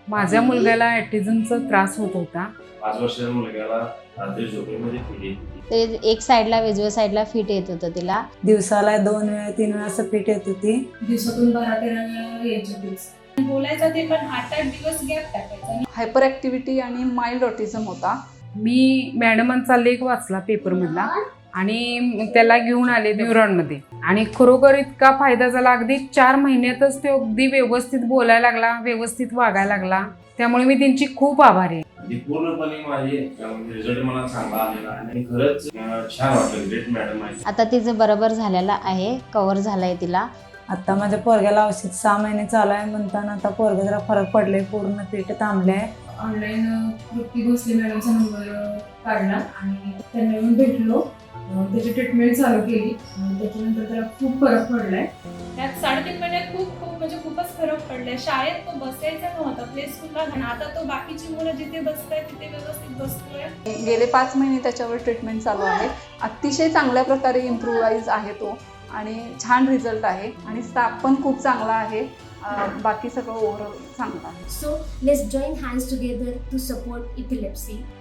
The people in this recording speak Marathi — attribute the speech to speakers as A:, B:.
A: माझ्या मुलग्याला ऑटिझमचा त्रास होत होता.
B: 5 वर्षाच्या मुलग्याला रात्री झोपेमध्ये फिट येत होती.
C: ते एक साईडला उजव्या साईडला फिट येत होतं तिला.
D: दिवसाला 2 वेळा 3 वेळा असं फिट येत होती.
E: दिवसातून 12-13 वेळा यायचं दिवस बोलायचं ते पण 8-8 दिवस गॅप टाकायचा.
F: हायपर ऍक्टिव्हिटी आणि माइल्ड ऑटिझम होता.
A: मी मॅडमांचा लेख वाचला पेपरमधला आणि त्याला घेऊन आले न्यूरॉनमध्ये आणि खरोखर इतका फायदा झाला. अगदी 4 महिन्यातच तो अगदी व्यवस्थित बोलायला लागला, व्यवस्थित वागायला लागला. त्यामुळे मी त्यांची खूप आभारी आहे.
B: आणि पूर्णपणे माझे रिझल्ट मला चांगला आलेला आणि खरंच छान वाटलं. ग्रेट मॅडम आहे.
C: आता तिचं बरोबर झालेलं आहे, कव्हर झालंय तिला.
D: आता माझ्या पोरग्याला औषध 6 महिने चालू आहे म्हणताना आता पोरगा जरा फरक पडले, पूर्ण पीठ थांबले.
E: ऑनलाईन तृप्ती भोसले मॅडमचा नंबर काढला आणि त्यांना येऊन भेटलो. त्याची ट्रीटमेंट चालू केली. त्याच्यानंतर त्याला खूप फरक पडलाय.
G: त्यात 3.5 महिन्यात खूपच फरक पडलाय. शाळेत तो बसायचा नव्हता, प्ले स्कूलला आणि आता तो बाकीची मुलं जिथे बसताय तिथे व्यवस्थित बसतोय.
F: गेले 5 महिने त्याच्यावर ट्रीटमेंट चालू आहे. अतिशय चांगल्या प्रकारे इम्प्रूव्हाइज आहे तो आणि छान रिझल्ट आहे आणि स्टाफ पण खूप चांगला आहे. बाकी सगळं ओव्हरऑल चांगलं आहे.
H: So let's join hands together to support epilepsy.